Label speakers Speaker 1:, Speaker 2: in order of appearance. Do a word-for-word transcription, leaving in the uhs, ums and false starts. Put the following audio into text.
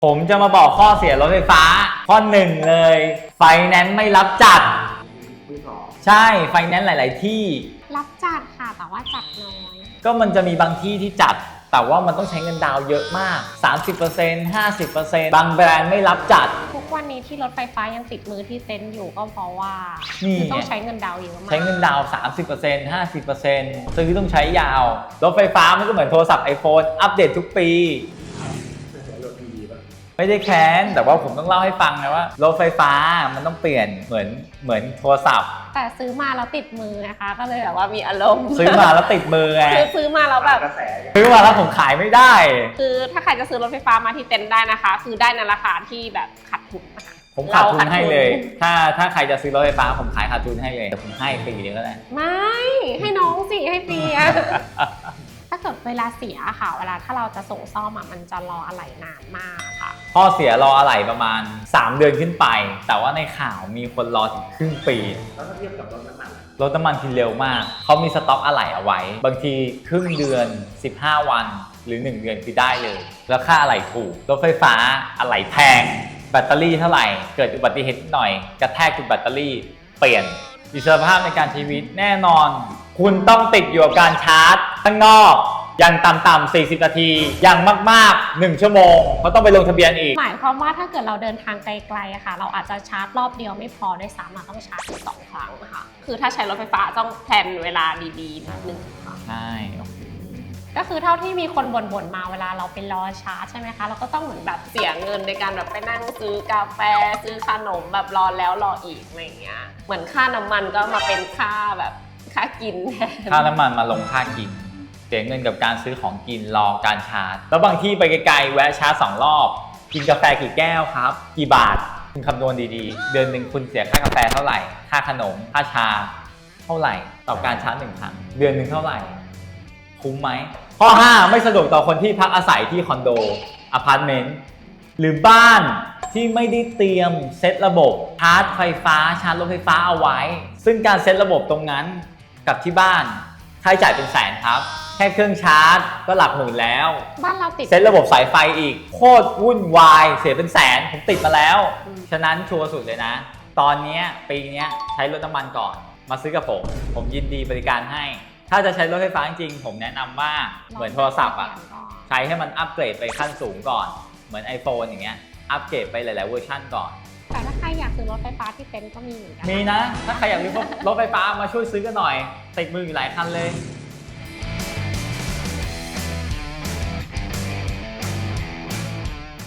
Speaker 1: ผมจะมาบอกข้อเสียรถไฟฟ้าข้อหนึ่งเลยไฟแนนซ์ไม่รับจัดใช่ไฟแนนซ์หลายๆที่
Speaker 2: รับจัดค่ะแต่ว่าจัดน้อย
Speaker 1: ก็มันจะมีบางที่ที่จัดแต่ว่ามันต้องใช้เงินดาวเยอะมาก สามสิบเปอร์เซ็นต์ ห้าสิบเปอร์เซ็นต์ บางแบรนด์ไม่รับจัด
Speaker 2: ทุกวันนี้ที่รถไฟฟ้ายังติดมือที่เต็นท์อยู่ก็เพราะว่าต้องใช้เงินดาวเยอะมาก
Speaker 1: ใช้เงินดาว สามสิบเปอร์เซ็นต์ ห้าสิบเปอร์เซ็นต์ ซื้อต้องใช้ยาวรถไฟฟ้ามันก็เหมือนโทรศัพท์ iPhone อัปเดตทุกปีไม่ได้แค้นแต่ว่าผมต้องเล่าให้ฟังนะว่ารถไฟฟ้ามันต้องเปลี่ยนเหมือนเหมือนโทรศัพท์
Speaker 2: แต่ซื้อมาแล้วติดมือนะคะก็เลยแบบว่ามีอารมณ์
Speaker 1: ซื้อมาแล้วติดมือไง
Speaker 2: คือซื้อมาแล้วแบบ
Speaker 1: ซื้อมาแล้วผมขายไม่ได้
Speaker 2: คือถ้าใครจะซื้อรถไฟฟ้ามาที่เต็นท์ได้นะคะคือได้ในราคาที่แบบขาดทุนนะคะ
Speaker 1: ผมขาดทุนให้เลยถ้าถ้าใครจะซื้อรถไฟฟ้าผมขายขาดทุนให้เลยแต่ผมให้ฟรีเลยก็ได้
Speaker 2: ไม่ให้น้องสิให้ฟรีถ้าเกิดเวลาเสียค่ะเวลาถ้าเราจะส่งซ่อมมันจะรออะไหล่นานมากค่ะ
Speaker 1: ข้อเสียรออะไหล่ประมาณสามเดือนขึ้นไปแต่ว่าในข่าวมีคนรอถึงครึ่งปี
Speaker 3: แล้วถ้าเทียบกับรถน้ำมัน
Speaker 1: รถน้ำมันที่เร็วมากเขามีสต็อกอะไหล่เอาไว้บางทีครึ่งเดือนสิบห้าวันหรือหนึ่งเดือนคือได้เลยแล้วค่าอะไหล่ถูกรถไฟฟ้าอะไหล่แพงแบตเตอรี่เท่าไหร่เกิดอุบัติเหตุหน่อยกระแทกจุดแบตเตอรี่เปลี่ยนอิสรภาพในการใช้ชีวิตแน่นอนคุณต้องติดอยู่กับการชาร์จข้างนอกอย่างต่ำๆสี่สิบนาทีอย่างมากๆหนึ่งชั่วโมงเขาต้องไปลงทะเบียนอีก
Speaker 2: หมายความว่าถ้าเกิดเราเดินทางไกลๆอะค่ะเราอาจจะชาร์จรอบเดียวไม่พอด้วยซ้ำเราต้องชาร์จถึงสองครั้งค่ะคือถ้าใช้รถไฟฟ้าต้องแพลนเวลาดีๆนิดนึงค่ะ
Speaker 1: ใช่
Speaker 2: ก็คือเท่าที่มีคนบ่นๆมาเวลาเราไปรอชาร์จใช่ไหมคะเราก็ต้องเหมือนแบบเสียเงินในการแบบไปนั่งซื้อกาแฟซื้อขนมแบบรอแล้วรออีกอะไรอย่างเงี้ยเหมือนค่าน้ำมันก็มาเป็นค่าแบบค่ากินแทน
Speaker 1: ค่าน้ำมันมาลงค่ากินเสียเงินกับการซื้อของกินรอการชาร์จแล้วบางที่ไปไกลๆแวะชาร์จสองรอบกินกาแฟกี่แก้วครับกี่บาทคุณคำนวณดีๆเดือนหนึ่งคุณเสียค่ากาแฟเท่าไหร่ค่าขนมค่าชาเท่าไหร่ต่อการชาร์จหนึ่งครั้งเดือนหนึ่งเท่าไหร่คุ้มไหมข้อห้าไม่สะดวกต่อคนที่พักอาศัยที่คอนโดอพาร์ตเมนต์หรือบ้านที่ไม่ได้เตรียมเซตระบบชาร์จไฟฟ้าชาร์จรถไฟฟ้าเอาไว้ซึ่งการเซตระบบตรงนั้นกับที่บ้านค่าใช้จ่ายเป็นแสนครับแค่เครื่องชาร์จก็หลักหมื่นแล้ว
Speaker 2: บ้านเราติด
Speaker 1: เซตระบบสายไฟอีกโคตรวุ่นวายเสียเป็นแสนผมติดมาแล้วฉะนั้นชัวร์สุดเลยนะตอนนี้ปีนี้ใช้รถน้ำมันก่อนมาซื้อกับผมผมยินดีบริการให้ถ้าจะใช้รถไฟฟ้าจริงๆผมแนะนำว่าเหมือนโทรศัพท์อ่ะใช้ให้มันอัปเกรดไปขั้นสูงก่อนเหมือน iPhone อย่างเงี้ยอัปเกรดไปหลายๆเวอร์ชันก่อน
Speaker 2: แต่ถ้าใครอยากซื้อรถไฟฟ้าที่เต็นท์ก็มีเหมือนกัน
Speaker 1: มีนะถ้าใครอยากซื้อรถไฟฟ้ามาช่วยซื้อกันหน่อยติดมืออยู่หลายคันเลย